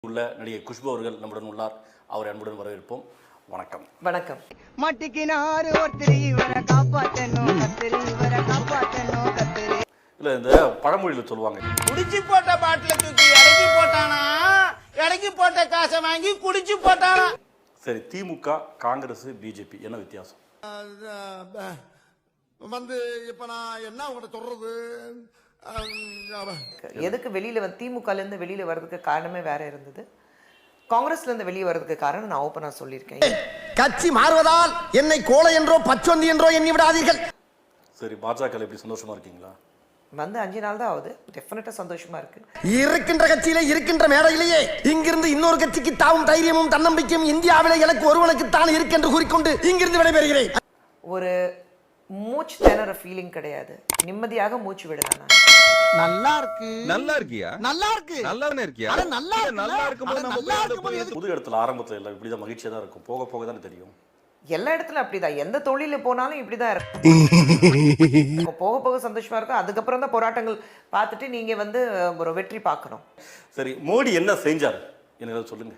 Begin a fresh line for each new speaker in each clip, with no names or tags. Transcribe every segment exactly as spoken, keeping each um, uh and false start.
பிஜேபிக்குள்ள நடிகை குஷ்பு அவர்கள் நம்முடன் உள்ளார். அவரை அன்புடன் வரவேற்போம். வணக்கம்.
வணக்கம்.
மட்டிக்கினாரு ஒருத்தர் இவரை காப்பாத்தணும் கத்திரி இவரை காப்பாத்தணும் கத்திரி.
இல்ல இந்த பழமொழியில சொல்லுவாங்க,
குடிச்சு போட்ட பாட்டில தூக்கி இறக்கி போட்டானா, இறக்கி போட்ட காசை வாங்கி குடிச்சு போட்டானா.
சரி, திமுக காங்கிரஸ் பிஜேபி என்ன வித்தியாசம்?
வந்து இப்ப நான் என்ன உங்கள்கிட்ட சொல்றது,
எதுக்கு வெளியில வந்து திமுகல இருந்து வெளியில வர்றதுக்கு காரணமே வேற இருந்தது. காங்கிரஸ்ல இருந்து வெளியே வர்றதுக்கு காரணம் நான் ஓப்பனா சொல்லியிருக்கேன்.
கட்சி மாறுவதால் என்னை கோலை என்றோ பச்சொந்தி என்றோ எண்ணி விடாதீர்கள்.
சரி, பாஜக எப்படி சந்தோஷமா இருக்கீங்களா?
வந்து அஞ்சு நாள் தான் ஆகுது. டெஃபினட்டா சந்தோஷமா இருக்கு.
இருக்கின்ற கட்சியிலே இருக்கின்ற மேடையிலேயே இங்கிருந்து இன்னொரு கட்சிக்கு தாவும் தைரியமும் தன்னம்பிக்கையும் இந்தியாவிலே எனக்கு ஒருவனுக்கு தான் இருக்கென்று கூறிக்கொண்டு இங்கிருந்து விடைபெறுகிறேன்.
ஒரு மூச்சு திணற ஃபீலிங் கிடையாது. நிம்மதியாக மூச்சு விடலாம்.
நல்லா இருக்கு.
நல்லா இருக்கியா?
நல்லா இருக்கு.
நல்லாவே இருக்கியா?
அட நல்லா இருக்கு.
நல்லா இருக்கும்போது நம்ம
நல்லா இருக்கும்போது
புது இடத்துல ஆரம்பத்துல எல்லாம் இப்படிதான் மகிழ்ச்சியா தான் இருக்கும். போக போக தானே தெரியும்.
எல்லா இடத்துலயும் அப்படிதான். எந்த தொழில போனாலும் இப்படிதான் இருக்கும். போக போக சந்தோஷமா இருக்கும். அதுக்கப்புறம் தான் போராட்டங்கள் பார்த்துட்டு நீங்க வந்து ஒரு வெற்றி பார்க்கணும்.
சரி, மோடி என்ன செஞ்சார் எனக்கு சொல்லுங்க.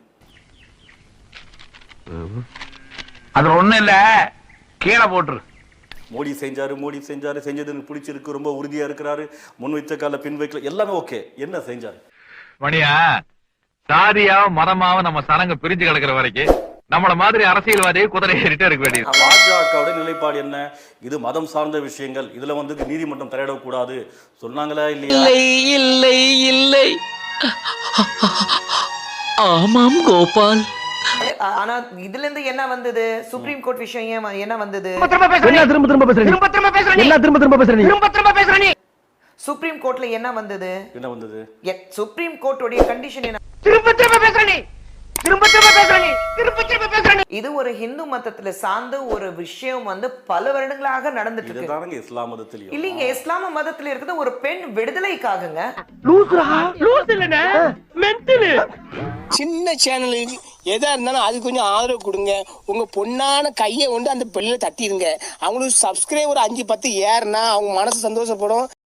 அது ஒண்ணு இல்ல, கீழே போட்டுரு.
மோடி செஞ்சாரு மோடி செஞ்சாரு செஞ்சது எனக்கு பிடிச்சிருக்கு, ரொம்ப உறுதியா இருக்கிறாரு, முன் வைத்த கால பின் வைக்கல, எல்லாமே ஓகே. என்ன செஞ்சாரு?
மணியா, சாதியாவ மதமாவ நம்ம சனங்க பிரிஞ்சு கிடக்குற வரைக்கும் நம்மள மாதிரி அரசியல்வாதியை குதிரை ஏறிட்டே இருக்க வேண்டியது.
பாஜகவுடைய நிலைப்பாடு என்ன? இது மதம் சார்ந்த விஷயங்கள், இதுல வந்து நீதிமன்றம் தலையிடக்கூடாது சொன்னாங்களா இல்லையா?
இல்லை இல்லை இல்லை. ஆமாம் கோபால்.
ஆனா இதுல இருந்து என்ன வந்தது? சுப்ரீம் கோர்ட் விஷயம் என்ன வந்தது?
திரும்ப திரும்ப பேசுறீங்க.
சுப்ரீம் கோர்ட்ல என்ன வந்தது?
என்ன வந்தது?
சுப்ரீம் கோர்ட்டோட கண்டிஷன் என்ன?
திரும்ப திரும்ப பேசுறீங்க. திரும்ப திரும்ப பேசுறீங்க. திரும்ப திரும்ப பேசுறீங்க.
இது ஒரு ஹிந்து மதத்துல சார்ந்த ஒரு விஷயம் வந்து பல வருடங்களாக நடந்துட்டு இருக்கு.
இதுதானங்க இஸ்லாம் மதத்திலயும்.
இல்லீங்க, இஸ்லாம மதத்துல இருக்குது ஒரு பெண் விடுதலைக்காகங்க.
லூசுரா? லூசு இல்லனே, மென்டல்.
சின்ன சேனலுக்கு எதா இருந்தாலும் அது கொஞ்சம் ஆதரவு கொடுங்க. உங்க பொண்ணான கையை கொண்டு அந்த பெல்லில தட்டிடுங்க. அவங்களுக்கு சப்ஸ்கிரைபர் அஞ்சு பத்து ஏறுனா அவங்க மனசு சந்தோஷப்படும்.